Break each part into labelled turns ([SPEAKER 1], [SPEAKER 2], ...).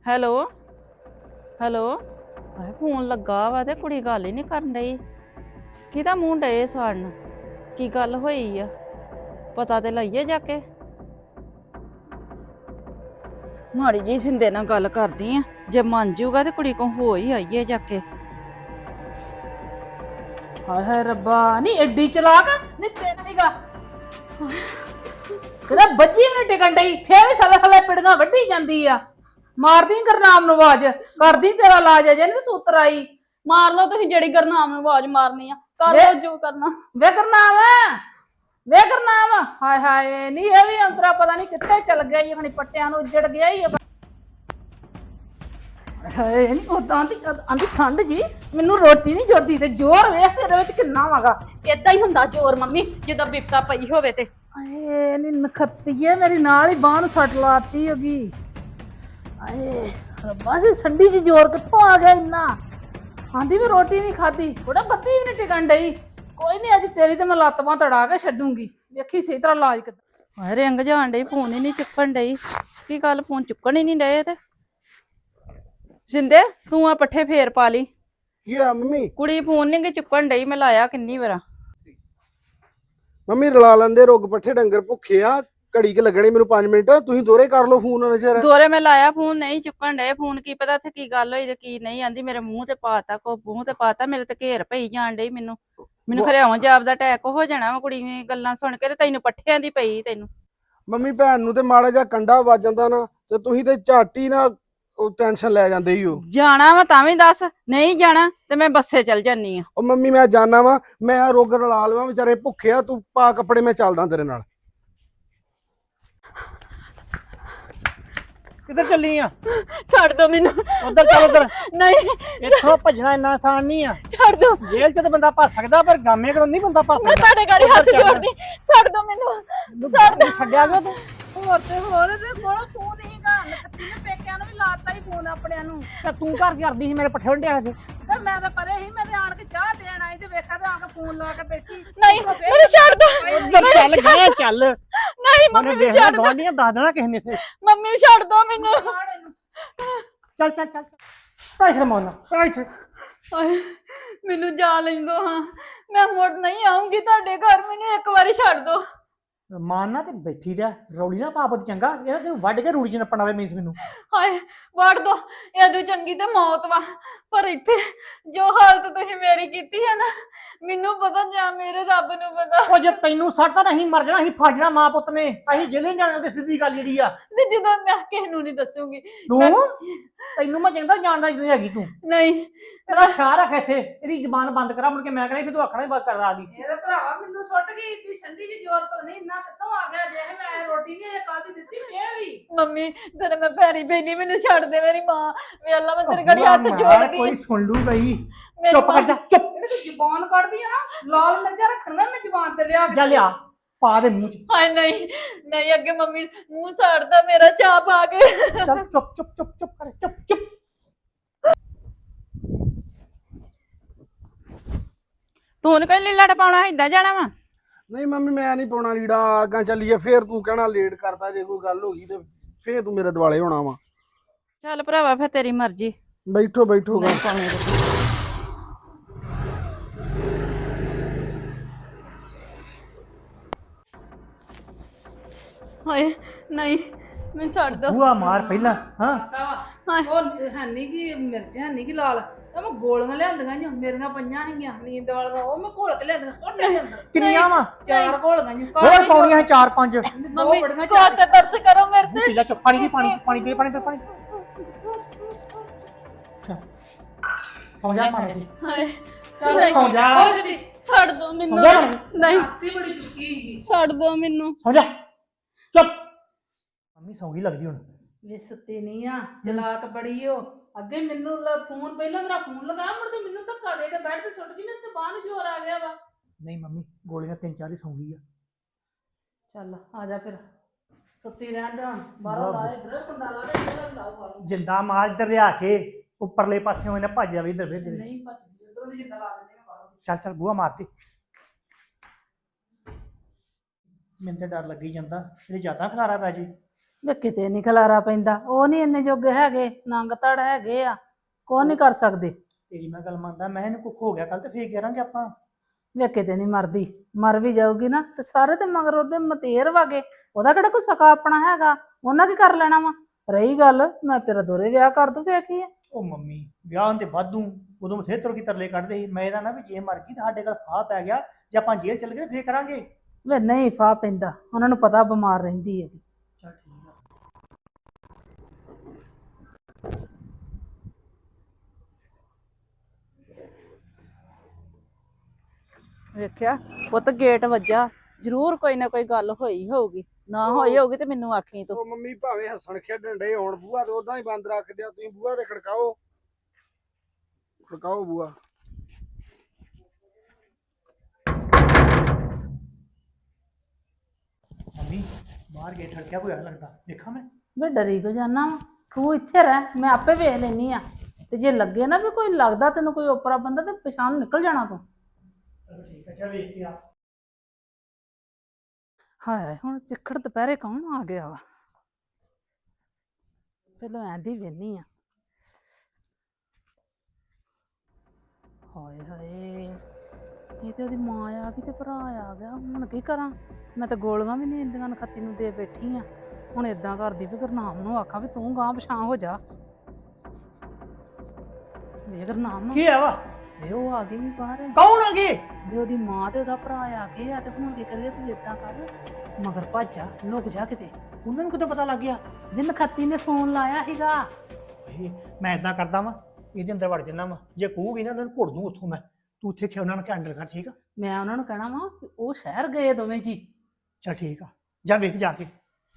[SPEAKER 1] Hello hello. ਆਏ phone ਲੱਗਾ ਵਾ ਤੇ ਕੁੜੀ ਗੱਲ ਹੀ ਨਹੀਂ ਕਰਨ ਡਈ। ਕਿਹਦਾ ਮੂੰਹ ਡਏ ਸਾੜਨ? ਕੀ ਗੱਲ ਹੋਈ ਆ? ਪਤਾ ਤੇ ਲਈਏ ਜਾ ਕੇ। ਮਾੜੀ ਜੀ ਸਿੰਦੇ ਨਾਲ ਗੱਲ ਕਰਦੀ ਆ, ਜੇ ਮੰਨ ਜੂਗਾ ਤੇ ਕੁੜੀ ਕੋ ਹੋ ਹੀ ਆਈਏ ਜਾ ਕੇ।
[SPEAKER 2] ਹਾਏ ਹਾਏ ਰੱਬਾ, ਨਹੀਂ ਐਡੀ ਚਲਾਕ ਨਹੀਂ ਤੇਰਾ ਹੀਗਾ ਕਦਾ ਬੱਜੀ ਵੀ ਨੀ ਟਿਕਣ ਡਈ, ਫੇਰ ਵੀ ਥੱਲੇ ਥੱਲੇ ਪਿੜੀਆਂ ਵੱਢੀ ਜਾਂਦੀ ਆ। ਮਾਰਦੀ ਗੁਰਨਾਮ ਨੂੰ ਆਵਾਜ਼, ਕਰਦੀ ਤੇਰਾ ਇਲਾਜ ਅਜੇ ਨੀ ਸੂਤਰ ਆਈ।
[SPEAKER 1] ਮਾਰ ਲਓ ਤੁਸੀਂ ਜਿਹੜੀ ਗੁਰਨਾਮ ਨੂੰ ਆਵਾਜ਼ ਮਾਰਨੀ ਆ, ਕਰ ਲਓ ਜੋ ਕਰਨਾ।
[SPEAKER 2] ਵੇ ਗੁਰਨਾਮ, ਵੇ ਗੁਰਨਾਮ, ਹਾਏ ਹਾਏ ਨਹੀਂ ਇਹ ਵੀ ਅੰਤਰਾ ਪਤਾ ਨਹੀਂ ਕਿੱਥੇ ਚਲ ਗਿਆ ਈ, ਖਣੀ ਪੱਟਿਆਂ ਨੂੰ ਉੱਜੜ ਗਿਆ ਈ। ਹਾਏ ਨਹੀਂ ਉਦਾਂ ਆਂਦੀ ਸੰਡ ਜੀ ਮੈਨੂੰ ਰੋਟੀ ਨਹੀਂ ਜੁੜਦੀ, ਤੇ ਜ਼ੋਰ ਵੇਖ ਤੇਰੇ ਵਿੱਚ ਕਿੰਨਾ ਵਾਗਾ।
[SPEAKER 1] ਏਦਾਂ ਹੀ ਹੁੰਦਾ ਜ਼ੋਰ ਮੰਮੀ, ਜਦੋਂ ਬਿਪਤਾ ਪਈ ਹੋਵੇ ਤੇ।
[SPEAKER 2] ਆਏ ਨੀ ਨਖੱਤੀਏ, ਮੇਰੀ ਨਾਲ ਹੀ ਬਾਂਹ ਨੂੰ ਸੱਟ ਲਾਤੀ ਹੋਗੀ। ਆਏ ਰੱਬਾ ਜੀ, ਸੰਡੀ ਜੀ ਜ਼ੋਰ ਕਿੱਥੋਂ ਆ ਗਿਆ ਇੰਨਾ? ਆਂਦੀ ਵੀ ਰੋਟੀ ਨਹੀਂ ਖਾਦੀ, ਥੋੜਾ ਬੱਤੀ ਵੀ ਨਹੀਂ ਟਿਕਣ ਡਈ। ਕੋਈ ਨਹੀਂ, ਅੱਜ ਤੇਰੀ ਤੇ ਮੈਂ ਲੱਤ ਬਾਂਹ ਤੜਾ ਕੇ ਛੱਡੂੰਗੀ, ਵੇਖੀ ਸਹੀ ਤਰ੍ਹਾਂ ਇਲਾਜ ਕਿੱਦਾਂ।
[SPEAKER 1] ਹਾਏ ਰਿੰਗ ਜਾਣ ਡਈ, ਫੋਨ ਹੀ ਨਹੀਂ ਚੁੱਕਣ ਡਈ। ਕੀ ਗੱਲ, ਫੋਨ ਚੁੱਕਣ ਹੀ ਨਹੀਂ ਡਏ ਤੇ? ਸਿੰਦੇ ਤੂੰ ਆ ਪੱਠੇ ਫੇਰ ਪਾ ਲਈ।
[SPEAKER 3] ਕੀ ਆ ਮੰਮੀ?
[SPEAKER 1] ਕੁੜੀ ਫੋਨ ਨਹੀਂ ਚੁੱਕਣ ਡਈ, ਮੈਂ ਲਾਇਆ ਕਿੰਨੀ ਵਾਰ।
[SPEAKER 3] ਮੰਮੀ ਰਲਾ ਲੈਂਦੇ, ਰੁੱਗ ਪੱਠੇ ਡੰਗਰ ਭੁੱਖੇ ਆ, ਘੜੀ ਕੇ ਲੱਗਣੇ ਮੈਨੂੰ 5 ਮਿੰਟ, ਤੁਸੀਂ ਦੋਰੇ ਕਰ ਲਓ ਫੋਨ ਨਜ਼ਰ।
[SPEAKER 1] ਦੋਰੇ ਮੈਂ ਲਾਇਆ, ਫੋਨ ਨਹੀਂ ਚੁੱਕਣ ਡਏ। ਫੋਨ ਕੀ ਪਤਾ ਉੱਥੇ ਕੀ ਗੱਲ ਹੋਈ ਤੇ ਕੀ ਨਹੀਂ। ਆਂਦੀ ਮੇਰੇ ਮੂੰਹ ਤੇ ਪਾਤਾ, ਕੋ ਮੂੰਹ ਤੇ ਪਾਤਾ, ਮੇਰੇ ਤੇ ਘੇਰ ਪਈ ਜਾਣ ਡਈ। ਮੈਨੂੰ ਖਰੇ ਆਉਂ ਜਾਬ ਦਾ ਅਟੈਕ ਹੋ ਜਾਣਾ ਵਾ ਕੁੜੀ ਨੇ ਗੱਲਾਂ ਸੁਣ ਕੇ, ਤੇ ਤੈਨੂੰ ਪੱਠਿਆਂ ਦੀ ਪਈ ਤੈਨੂੰ।
[SPEAKER 3] ਮੰਮੀ ਭੈਣ ਨੂੰ ਤੇ ਮਾੜਾ ਜਿਹਾ ਕੰਡਾ ਵੱਜ ਜਾਂਦਾ ਨਾ, ਤੇ ਤੁਸੀਂ ਤੇ ਝੱਟ ਹੀ ਨਾ ਉਹ ਟੈਨਸ਼ਨ ਲੈ ਜਾਂਦੇ ਹੀ ਹੋ।
[SPEAKER 1] ਜਾਣਾ ਵਾ ਤਾਂ ਵੀ ਦੱਸ, ਨਹੀਂ ਜਾਣਾ ਤੇ ਮੈਂ ਬੱਸੇ ਚਲ ਜਾਨੀ ਆ।
[SPEAKER 3] ਉਹ ਮੰਮੀ ਮੈਂ ਜਾਣਾ ਵਾ, ਮੈਂ ਆ ਰੁੱਗ ਰਲਾ ਲਵਾਂ, ਵਿਚਾਰੇ ਭੁੱਖੇ ਆ, ਤੂੰ ਪਾ ਕੱਪੜੇ, ਮੈਂ ਚੱਲਦਾ ਤੇਰੇ ਨਾਲ।
[SPEAKER 4] ਕਿੱਧਰ ਚੱਲੀ ਆ?
[SPEAKER 1] ਛੱਡ ਦੋ ਮੈਨੂੰ।
[SPEAKER 4] ਉਧਰ ਚੱਲ ਉਧਰ।
[SPEAKER 1] ਨਹੀਂ
[SPEAKER 4] ਇੱਥੋਂ ਭੱਜਣਾ ਇੰਨਾ ਆਸਾਨ ਨਹੀਂ ਆ।
[SPEAKER 1] ਛੱਡ ਦੋ।
[SPEAKER 4] ਜੇਲ੍ਹ 'ਚ ਤਾਂ ਬੰਦਾ ਭੱਜ ਸਕਦਾ, ਪਰ ਗਾਮੇ ਕੋਲ ਨਹੀਂ ਬੰਦਾ ਭੱਜ
[SPEAKER 1] ਮੈਂ
[SPEAKER 4] ਸਕਦਾ।
[SPEAKER 1] ਤੁਹਾਡੇ ਗਾੜੀ ਹੱਥ ਜੋੜਦੀ, ਛੱਡ ਦੋ ਮੈਨੂੰ। ਛੱਡ ਦੋ।
[SPEAKER 4] ਛੱਡਿਆ ਗਿਆ ਤੂੰ?
[SPEAKER 2] ਹੋਰ ਤੇ ਹੋਰ, ਤੇ ਕੋਲ ਫੋਨ ਹੀਗਾ, ਨਖੱਤੀ ਨੇ ਪੇਕਿਆਂ ਨੂੰ ਵੀ ਲਾਤਾ ਹੀ ਫੋਨ ਆਪਣਿਆਂ ਨੂੰ।
[SPEAKER 4] ਤੇ ਤੂੰ ਘਰ ਕਰਦੀ ਸੀ ਮੇਰੇ ਪੱਠੇ ਵੰਡਿਆ ਸੀ।
[SPEAKER 2] ਤੇ ਮੈਂ ਤਾਂ ਪਰੇ ਹੀ, ਮੈਂ ਤੇ ਆਣ ਕੇ ਚਾਹ ਦੇਣ ਆਈ, ਤੇ ਵੇਖਿਆ ਤੇ ਆ ਕੇ ਫੋਨ ਲਾ ਕੇ ਬੈਠੀ।
[SPEAKER 1] ਨਹੀਂ ਮੈਨੂੰ ਛੱਡ ਦੋ।
[SPEAKER 4] ਉਧਰ ਚੱਲ ਗਿਆ, ਚੱਲ।
[SPEAKER 1] ਨਹੀਂ ਮੰਮੀ
[SPEAKER 4] ਉਹਨੇ
[SPEAKER 1] ਨੂੰ
[SPEAKER 4] ਵੇਖਣਾ
[SPEAKER 1] ਛੱਡ ਦੋ।
[SPEAKER 4] ਗਵਾਂਢੀਆਂ ਦੱਸ ਦੇਣਾ ਕਿਸੇ ਨੇ ਇੱਥੇ।
[SPEAKER 1] ਮੰਮੀ ਨੂੰ ਛੱਡ ਦੋ ਮੈਨੂੰ।
[SPEAKER 4] ਚੱਲ ਚੱਲ ਚੱਲ ਪੈਸੇ ਮੋਨਾ ਪੈਸੇ।
[SPEAKER 1] ਹਾਏ, ਮੈਨੂੰ ਜਾ ਲੈਂਦੋ ਹਾਂ, ਮੈਂ ਮੁੜ ਨਹੀਂ ਆਉਂਗੀ ਤੁਹਾਡੇ ਘਰ। ਮੈਨੂੰ ਇੱਕ ਵਾਰੀ ਛੱਡ ਦੋ।
[SPEAKER 4] ਮਾਨਨਾ ਤੇ ਬੈਠੀ ਰਹਿ, ਰੌਲੀ ਨਾ ਪਾ ਪੁੱਤ, ਚੰਗਾ? ਇਹ ਤੇ ਵੱਢ ਕੇ ਰੂੜੀ 'ਚ ਨੱਪਣਾ ਵੇ ਮੈਨੂੰ।
[SPEAKER 1] ਹਾਏ ਵੜ ਦੋ, ਇਹਦੋਂ ਚੰਗੀ ਤੇ ਮੌਤ ਵਾ। ਪਰ ਇੱਥੇ ਜੋ ਹਾਲਤ ਤੁਸੀਂ ਮੇਰੀ ਕੀਤੀ ਹੈ ਨਾ, ਮੈਨੂੰ ਪਤਾ ਜਾਂ ਮੇਰੇ ਰੱਬ ਨੂੰ ਪਤਾ।
[SPEAKER 4] ਉਹ ਜੇ ਤੈਨੂੰ ਸੱਟ ਤਾਂ ਨਹੀਂ ਮਰ ਜਾਣਾ, ਅਸੀਂ ਫੜ ਜਾਣਾ ਮਾਂ ਪੁੱਤ ਨੇ, ਅਸੀਂ ਜੇਲ੍ਹ ਜਾਣਾ। ਤੇ ਸਿੱਧੀ ਗੱਲ ਜਿਹੜੀ ਆ,
[SPEAKER 1] ਤੇ ਜਦੋਂ ਮੈਂ ਕਿਸੇ ਨੂੰ ਨਹੀਂ ਦੱਸੂਗੀ।
[SPEAKER 4] ਤੂੰ ਤੈਨੂੰ ਮੈਂ ਚੰਗਾ ਜਾਣਦਾ ਜਦੋਂ ਹੈਗੀ ਤੂੰ।
[SPEAKER 1] ਨਹੀਂ
[SPEAKER 4] ਇਹਦਾ ਖਿਆਲ ਰੱਖ, ਇੱਥੇ ਇਹਦੀ ਜ਼ਬਾਨ ਬੰਦ ਕਰਾ, ਮੁੜ ਕੇ ਮੈਂ ਕਹਿੰਦਾ ਫਿਰ ਤੂੰ ਆਖਣਾ ਹੀ ਬੰਦ ਕਰ ਆ ਗਈ।
[SPEAKER 2] ਇਹਦੇ ਭਰਾਵਾ ਮੈਨੂੰ ਸੁੱਟ ਗਈ ਏਡੀ ਸੰਡੀ ਜੀ ਜ਼ੋਰ ਤੋਂ, ਨਹੀਂ ਇੰਨਾ ਕਿੱਥੋਂ ਆ ਗਿਆ? ਜੇ ਮੈਂ ਰੋਟੀ ਨਹੀਂ ਕੱਲ ਦੀ ਦਿੱਤੀ, ਫੇਰ ਵੀ।
[SPEAKER 1] ਮੰਮੀ ਜਦੋਂ ਮੈਂ ਪੈਰੀ ਬੈਣੀ, ਮੈਨੂੰ ਛੱਡ ਦੇ ਮੇਰੀ ਮਾਂ। ਵੇ ਅੱਲਾ, ਮੈਂ ਤੇਰੇ ਗੜੀ ਹੱਥ ਜੋੜਦੀ।
[SPEAKER 4] ਕੋਈ ਸੁਣ ਲੂ ਗਈ। ਚੁੱਪ ਕਰ ਜਾ, ਚੁੱਪ।
[SPEAKER 2] ਜਿਹੜੀ ਤੂੰ ਜ਼ੁਬਾਨ ਕੱਢਦੀ ਆ ਨਾ, ਲਾਲ ਮਿਰਚਾਂ ਰੱਖਣੀਆਂ ਮੈਂ ਜ਼ੁਬਾਨ ਤੇ ਲਿਆ ਕੇ।
[SPEAKER 4] ਜਾ ਲਿਆ, ਪਾ ਦੇ ਮੂੰਹ 'ਚ।
[SPEAKER 1] ਹਾਏ ਨਹੀਂ ਨਹੀਂ, ਅੱਗੇ ਮੰਮੀ ਮੂੰਹ ਸਾੜਦਾ ਮੇਰਾ, ਚਾਹ ਪਾ ਕੇ।
[SPEAKER 4] ਚੱਲ ਚੁੱਪ ਚੁੱਪ ਚੁੱਪ ਚੁੱਪ ਕਰ, ਚੁੱਪ ਚੁੱਪ।
[SPEAKER 1] ਤੂੰ ਨੀ ਕੋਈ ਲੀੜਾ ਪਾਉਣਾ, ਏਦਾਂ ਜਾਣਾ ਵਾ?
[SPEAKER 3] ਨਹੀਂ ਮੰਮੀ ਮੈਂ ਨਹੀਂ ਪਾਉਣਾ ਲੀੜਾ, ਅੱਗਾ ਚੱਲੀਏ, ਫੇਰ ਤੂੰ ਕਹਿਣਾ ਲੇਟ ਕਰਤਾ, ਜੇ ਕੋਈ ਗੱਲ ਹੋ ਗਈ ਤੇ ਫੇਰ ਤੂੰ ਮੇਰੇ ਦੁਆਲੇ ਹੋਣਾ ਵਾ।
[SPEAKER 1] ਚੱਲ ਭਰਾਵਾ, ਫਿਰ ਤੇਰੀ ਮਰਜ਼ੀ।
[SPEAKER 3] ਬੈਠੋ ਬੈਠੋ ਗਾ।
[SPEAKER 1] ਹਾਏ ਨਹੀਂ, ਮੈਂ ਛੱਡ ਦੋ।
[SPEAKER 4] ਬੂਆ ਮਾਰ ਪਹਿਲਾਂ। ਹਾਂ
[SPEAKER 2] ਉਹ ਹੈਨੀ ਕੀ ਮਿਰਚ, ਹੈਨੀ ਕੀ ਲਾਲ, ਤਾਂ ਮੈਂ ਗੋਲੀਆਂ ਲਿਆਂਦੀਆਂ ਜੀ, ਮੇਰੀਆਂ ਪਈਆਂ ਸੀਗੀਆਂ ਨੀਂਦ ਵਾਲੀਆਂ, ਉਹ ਮੈਂ ਘੋਲ ਕੇ ਲਿਆਂਦੀਆਂ, ਸੁੱਟ ਦੇ ਅੰਦਰ।
[SPEAKER 4] ਕਿੰਨੀਆਂ ਵਾ?
[SPEAKER 2] 4 ਘੋਲੀਆਂ ਜੀ।
[SPEAKER 4] ਹੋਰ ਪਾਉਣੀਆਂ ਸੀ 4-5।
[SPEAKER 1] ਮੰਮੀ ਕੋ ਤੇ ਤਰਸ ਕਰੋ ਮੇਰੇ ਤੇ।
[SPEAKER 4] ਪੀ ਲੈ, ਚੁੱਪ। ਪਾਣੀ ਪੀ, ਪਾਣੀ ਪਾਣੀ ਪੀ, ਪਾਣੀ ਪੀ, ਪਾਣੀ। ਸੌਂ ਜਾ ਮਾਰੇ ਜੀ।
[SPEAKER 1] ਹਾਏ
[SPEAKER 2] ਚੱਲ
[SPEAKER 4] ਸੌਂ ਜਾ।
[SPEAKER 2] ਹੋ ਜਦੀ
[SPEAKER 1] ਛੱਡ ਦੋ ਮੈਨੂੰ।
[SPEAKER 4] ਸੌਂ ਜਾ ਮਾਰੇ।
[SPEAKER 1] ਨਹੀਂ
[SPEAKER 2] ਰਾਤੀ ਬੜੀ ਚੁੱਕੀ ਸੀਗੀ।
[SPEAKER 1] ਛੱਡ ਦੋ ਮੈਨੂੰ।
[SPEAKER 4] ਸੌਂ ਜਾ, ਚੁੱਪ। ਮੰਮੀ ਸੌਂ ਗਈ ਲੱਗਦੀ ਹੁਣ।
[SPEAKER 2] ਵੇ ਸੁੱਤੀ ਨਹੀਂ ਆ, ਚਲਾਕ ਬੜੀ ਓ। ਅੱਗੇ ਮੈਨੂੰ ਫੋਨ, ਪਹਿਲਾਂ ਮੇਰਾ ਫੋਨ ਲਗਾਇਆ, ਮੁੜ ਕੇ ਮੈਨੂੰ ਧੱਕਾ ਦੇ ਕੇ ਬੈੱਡ ਤੇ ਸੁੱਟ ਗਈ, ਮੇਰੇ ਤੇ ਬਾਂਹ ਨੂੰ ਜ਼ੋਰ ਆ ਗਿਆ ਵਾ।
[SPEAKER 4] ਨਹੀਂ ਮੰਮੀ, ਗੋਲੀਆਂ 3-4 ਹੀ ਸੌਂ ਗਈ ਆ।
[SPEAKER 2] ਚੱਲ ਆ ਜਾ ਫਿਰ, ਸੁੱਤੀ ਰਹਿਣ ਦੇ ਹੁਣ। ਬਾਹਰੋਂ ਲਾ ਇਧਰ ਕੁੰਡਾ ਲਾ ਦੇ, ਇਧਰ ਲਾਓ ਬਾਹਰੋਂ।
[SPEAKER 4] ਜਿੰਦਾ ਮਾਰ ਇੱਧਰ ਲਿਆ ਕੇ, ਉੱਪਰਲੇ ਪਾਸਿਓਂ ਇਹਨੇ ਭੱਜ ਜਾਵੇ ਇੱਧਰ ਵੇਖ।
[SPEAKER 2] ਨਹੀਂ ਭੱਜਦੀ, ਉਦੋਂ ਦੀ ਜਿੰਦਾ ਲਾ ਦਿੰਦੇ ਆ ਬਾਹਰੋਂ।
[SPEAKER 4] ਚੱਲ ਚੱਲ ਬੂਹਾ ਮਾਰਤੀ। ਮੈਨੂੰ ਤੇ ਡਰ ਲੱਗੀ ਜਾਂਦਾ, ਇਹਦੇ ਜ਼ਿਆਦਾ ਖਲਾਰਾ ਪੈ ਜੇ।
[SPEAKER 2] ਵੇ ਕਿਤੇ ਨਹੀਂ ਖਲਾਰਾ ਪੈਂਦਾ, ਉਹ ਨਹੀਂ ਇੰਨੇ ਜੋਗੇ ਹੈਗੇ, ਨੰਗ ਧੜ ਹੈਗੇ ਆ, ਕੋਈ ਨਹੀਂ ਕਰ ਸਕਦੇ।
[SPEAKER 4] ਤੇਰੀ ਮੈਂ ਗੱਲ ਮੰਨਦਾ, ਮੈਂ ਇਹਨੂੰ ਕੁੱਖ ਹੋ ਗਿਆ ਕੱਲ ਤੇ ਫੇਰ ਕਰਾਂਗੇ ਆਪਾਂ।
[SPEAKER 2] ਵੇ ਕਿਤੇ ਨਹੀਂ ਮਰਦੀ, ਮਰ ਵੀ ਜਾਊਗੀ ਨਾ ਤੇ ਸਾਰੇ ਤੇ ਮਗਰ ਉਹਦੇ ਮਤੇਰ ਵਾਗੇ, ਉਹਦਾ ਕਿਹੜਾ ਕੋਈ ਸਕਾ ਆਪਣਾ ਹੈਗਾ, ਉਹਨਾਂ ਕੀ ਕਰ ਲੈਣਾ ਵਾ। ਰਹੀ ਗੱਲ ਮੈਂ ਤੇਰਾ ਦੋਰੇ ਵਿਆਹ ਕਰ ਦੂੰ ਫੇਰ ਕੀ ਆ।
[SPEAKER 4] ਉਹ ਮੰਮੀ ਵਿਆਹ ਤੇ ਵਾਧੂ ਉਦੋਂ ਬਥੇ ਤੁਰ ਕੀ ਤਰਲੇ ਕੱਢਦੇ ਸੀ। ਮੈਂ ਇਹਦਾ ਨਾ ਵੀ ਜੇ ਮਰ ਗਈ ਤਾਂ ਸਾਡੇ ਕੋਲ ਫਾਹ ਪੈ ਗਿਆ, ਜੇ ਆਪਾਂ ਜੇਲ੍ਹ ਚੱਲ ਗਏ ਫੇਰ ਕਰਾਂਗੇ।
[SPEAKER 2] ਵੇ ਨਹੀਂ ਫਾਹ ਪੈਂਦਾ, ਉਹਨਾਂ ਨੂੰ ਪਤਾ ਬਿਮਾਰ ਰਹਿੰਦੀ ਹੈ।
[SPEAKER 4] ਚੱਲ ਠੀਕ ਆ।
[SPEAKER 1] ਵੇਖਿਆ ਪੁੱਤ ਗੇਟ ਵੱਜਾ, ਜ਼ਰੂਰ ਕੋਈ ਨਾ ਕੋਈ ਗੱਲ ਹੋਈ ਹੋਊਗੀ, ਨਾ ਹੋਈ ਹੋਊਗੀ ਤੇ ਮੈਨੂੰ ਆਖੀ ਤੂੰ।
[SPEAKER 3] ਉਹ ਮੰਮੀ ਭਾਵੇਂ ਹੱਸਣ ਖੇਡਣ ਡੇ ਹੋਣ, ਬੂਹਾ ਤੇ ਉਦਾਂ ਹੀ ਬੰਦ ਰੱਖ ਦਿਆ ਤੁਸੀਂ, ਬੂਹਾ ਤੇ ਖੜਕਾਓ, ਖੜਕਾਓ ਬੂਹਾ।
[SPEAKER 4] ਮੰਮੀ ਬਾਹਰ ਗੇਟ ਠੜਕਿਆ ਹੋਇਆ ਲੱਗਦਾ, ਦੇਖਾਂ ਮੈਂ।
[SPEAKER 2] ਵੇ ਡਰੀ ਕੋ ਜਾਨਾ ਵਾ, ਤੂੰ ਇੱਥੇ ਰਹਿ, ਮੈਂ ਆਪੇ ਵੇਖ ਲੈਨੀ ਆ, ਤੇ ਜੇ ਲੱਗੇ ਨਾ ਵੀ ਕੋਈ ਲੱਗਦਾ ਤੈਨੂੰ ਕੋਈ ਓਪਰਾ ਬੰਦਾ ਤੇ ਪਛਾਣ ਨੂੰ ਨਿਕਲ ਜਾਣਾ ਤੂੰ।
[SPEAKER 4] ਚਲੋ ਠੀਕ ਆ, ਚੱਲ ਵੇਖ ਕੇ ਆ।
[SPEAKER 2] ਹਾਏ ਹੁਣ ਸਿੱਖੜ ਦੁਪਹਿਰੇ ਕੌਣ ਆ ਗਿਆ ਵਾ, ਪਹਿਲਾਂ ਐਂਦੀ ਵੇਨੀ ਆ। ਹਾਏ ਹਾਏ ਇਹ ਤੇ ਉਹਦੀ ਮਾਂ ਆ ਗਈ ਤੇ ਭਰਾ ਆ ਗਿਆ, ਹੁਣ ਕੀ ਕਰਾਂ। ਮੈਂ ਤਾਂ ਗੋਲੀਆਂ ਵੀ ਨਹੀਂ ਇੰਦੀਆਂ ਨਖੱਤੀ ਨੂੰ ਦੇ ਬੈਠੀ ਆ, ਹੁਣ ਏਦਾਂ ਕਰਦੀ ਵੀ ਗੁਰਨਾਮ ਨੂੰ ਆਖਾਂ ਵੀ ਤੂੰ ਗਾਂ ਪਛਾਂ ਹੋ ਜਾ। ਵੇ ਗੁਰਨਾਮ
[SPEAKER 4] ਕੀ ਆ ਵਾ?
[SPEAKER 2] ਵੇ ਉਹ ਆ ਗਈ ਵੀ ਬਾਹਰ,
[SPEAKER 4] ਕੌਣ ਆ ਗਏ?
[SPEAKER 2] ਵੀ ਉਹਦੀ ਮਾਂ ਤੇ ਉਹਦਾ ਭਰਾ ਆ ਗਏ ਆ, ਤੇ ਹੁਣ ਕੀ ਕਰੀਏ। ਤੂੰ ਏਦਾਂ ਕਰ, ਮਗਰ ਭੱਜ ਜਾ, ਲੁਕ ਜਾ ਕਿਤੇ।
[SPEAKER 4] ਉਹਨਾਂ ਨੂੰ ਕਿਤੇ ਪਤਾ ਲੱਗ ਗਿਆ?
[SPEAKER 2] ਵੀ ਨਖੱਤੀ ਨੇ ਫੋਨ ਲਾਇਆ ਸੀਗਾ।
[SPEAKER 4] ਓਏ, ਮੈਂ ਇਦਾਂ ਕਰਦਾ ਵਾਂ, ਇਹਦੇ ਅੰਦਰ ਵੜ ਜੰਨਾ ਵਾ, ਜੇ ਕਹੂਗੀ ਨਾ ਉਹਨਾਂ ਨੂੰ ਘੁੱਟ ਦੂੰ ਉੱਥੋਂ ਮੈਂ। ਤੂੰ ਉੱਥੇ ਖਿਆ ਉਹਨਾਂ ਨੂੰ ਕੈਂਡਲ ਕਰ, ਠੀਕ ਆ?
[SPEAKER 2] ਮੈਂ ਉਹਨਾਂ ਨੂੰ ਕਹਿਣਾ ਵਾ ਵੀ ਉਹ ਸ਼ਹਿਰ ਗਏ ਦੋਵੇਂ ਜੀ।
[SPEAKER 4] ਚੱਲ ਠੀਕ ਆ, ਜਾ ਵੇਖ ਜਾ ਕੇ।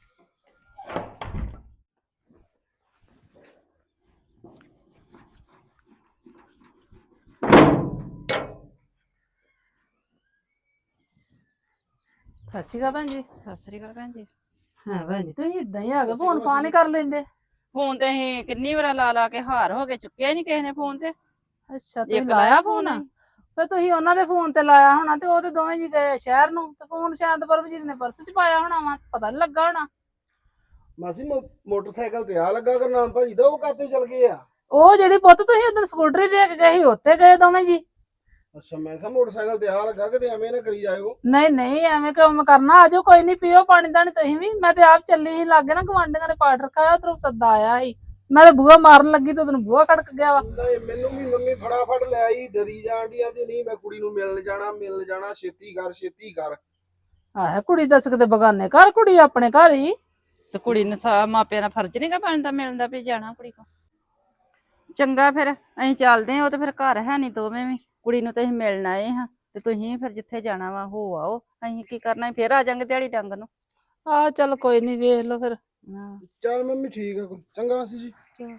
[SPEAKER 2] ਸਤਿ ਸ਼੍ਰੀ ਅਕਾਲ ਭੈਣ ਜੀ।
[SPEAKER 1] ਸਤਿ ਸ੍ਰੀ ਅਕਾਲ ਭੈਣ ਜੀ।
[SPEAKER 2] ਹਾਂ ਭੈਣ ਜੀ ਤੁਸੀਂ ਇਦਾਂ ਹੀ ਆ ਗਏ, ਫੋਨ ਫਾਨ ਹੀ ਕਰ ਲੈਂਦੇ।
[SPEAKER 1] ਫੋਨ ਤੇ ਅਸੀਂ ਕਿੰਨੀ ਵਾਰ ਲਾ ਲਾ ਕੇ ਹਾਰ ਹੋ ਗਏ, ਚੁੱਕਿਆ ਹੀ ਨਹੀਂ ਕਿਸੇ ਨੇ ਫੋਨ ਤੇ।
[SPEAKER 2] ਅੱਛਾ ਤੁਸੀਂ
[SPEAKER 1] ਇੱਕ
[SPEAKER 2] ਲਾਇਆ
[SPEAKER 1] ਲਾਇਆ
[SPEAKER 2] ਫੋਨ?
[SPEAKER 1] ਫੋਨ?
[SPEAKER 2] ਫੇ ਤੁਸੀਂ ਉਹਨਾਂ ਦੇ ਫੋਨ ਤੇ ਲਾਇਆ ਹੋਣਾ, ਤੇ ਉਹ ਤੇ ਦੋਵੇਂ ਜੀ ਗਏ ਸ਼ਹਿਰ ਨੂੰ, ਤੇ ਫੋਨ ਸ਼ਾਇਦ ਪਰਮਜੀਤ ਨੇ ਪਰਸ ਚ ਪਾਇਆ ਹੋਣਾ ਵਾ, ਪਤਾ ਨੀ ਲੱਗਾ ਹੋਣਾ।
[SPEAKER 3] ਮਾਸੀ ਮੋਟਰਸਾਈਕਲ ਤੇ ਆ ਲੱਗਾ ਗੁਰਨਾਮ ਭਾਜੀ ਦਾ, ਉਹ ਕਾਤੇ ਚਲ ਗਏ ਆ?
[SPEAKER 2] ਉਹ ਜਿਹੜੀ ਪੁੱਤ ਤੁਸੀਂ ਉਧਰ ਸਕੂਟਰੀ ਦੇ ਕੇ ਗਏ ਸੀ, ਉੱਥੇ ਗਏ ਦੋਵੇਂ ਜੀ।
[SPEAKER 3] ਅੱਛਾ, ਮੈਂ ਕਿਹਾ ਮੋਟਰਸਾਈਕਲ ਤੇ ਆ ਲੱਗਾ, ਕਿਤੇ ਐਵੇਂ ਨਾ ਕਰੀ ਜਾਇਓ।
[SPEAKER 2] ਨਹੀਂ ਨਹੀਂ ਐਵੇਂ ਕੰਮ ਕਰਨਾ, ਆਜੋ ਕੋਈ ਨਹੀਂ, ਪੀਓ ਪਾਣੀ ਦਾਣੀ ਤੁਸੀਂ ਵੀ। ਮੈਂ ਤੇ ਆਪ ਚੱਲੀ ਸੀ ਲਾਗੇ ਨਾ, ਗਵਾਂਢੀਆਂ ਨੇ ਪਾਠ ਰਖਾਇਆ, ਉਧਰੋਂ ਸੱਦਾ ਆਇਆ ਸੀ, ਮੈਂ ਤੇ ਬੂਹਾ ਮਾਰਨ ਲੱਗੀ ਤੇ ਉਦੋਂ ਬੂਹਾ ਖੜਕ ਗਿਆ ਵਾ।
[SPEAKER 3] ਨਹੀਂ ਮੈਨੂੰ ਵੀ ਮੰਮੀ ਫਟਾਫਟ ਲੈ ਆਈ, ਡਰੀ ਜਾਣ ਦੀ, ਆਂਦੀ ਨਹੀਂ ਮੈਂ ਕੁੜੀ ਨੂੰ ਮਿਲਣ ਜਾਣਾ, ਛੇਤੀ ਕਰ ਛੇਤੀ ਕਰ।
[SPEAKER 2] ਆਹ ਕੁੜੀ ਦੱਸ ਕਿਤੇ ਬਗਾਨੇ ਘਰ, ਕੁੜੀ ਆਪਣੇ ਘਰ ਹੀ।
[SPEAKER 1] ਤੇ ਕੁੜੀ ਨੂੰ ਮਾਪਿਆਂ ਦਾ ਫਰਜ਼ ਨਹੀਂਗਾ ਬਣਦਾ ਮਿਲਦਾ ਵੀ ਜਾਣਾ ਕੁੜੀ ਕੋ। ਚੰਗਾ ਫਿਰ ਅਸੀਂ ਚੱਲਦੇ ਹਾਂ, ਉਹ ਤੇ ਫਿਰ ਘਰ ਹੈ ਨਹੀਂ ਦੋਵੇਂ ਵੀ, ਕੁੜੀ ਨੂੰ ਤੇ ਅਸੀਂ ਮਿਲਣ ਆਏ ਹਾਂ, ਤੇ ਤੁਸੀਂ ਫਿਰ ਜਿੱਥੇ ਜਾਣਾ ਵਾ ਹੋ ਆਓ, ਅਸੀਂ ਕੀ ਕਰਨਾ, ਫਿਰ ਆ ਜਾਾਂਗੇ ਦਿਹਾੜੀ ਡੰਗ ਨੂੰ।
[SPEAKER 2] ਆਹ ਚੱਲ ਕੋਈ ਨਹੀਂ, ਵੇਖ ਲਓ ਫਿਰ।
[SPEAKER 1] ਹਾਂ
[SPEAKER 3] ਚੱਲ ਮੰਮੀ ਠੀਕ ਆ, ਚੰਗਾ ਮਾਸੀ ਜੀ।
[SPEAKER 2] ਚਲੋ।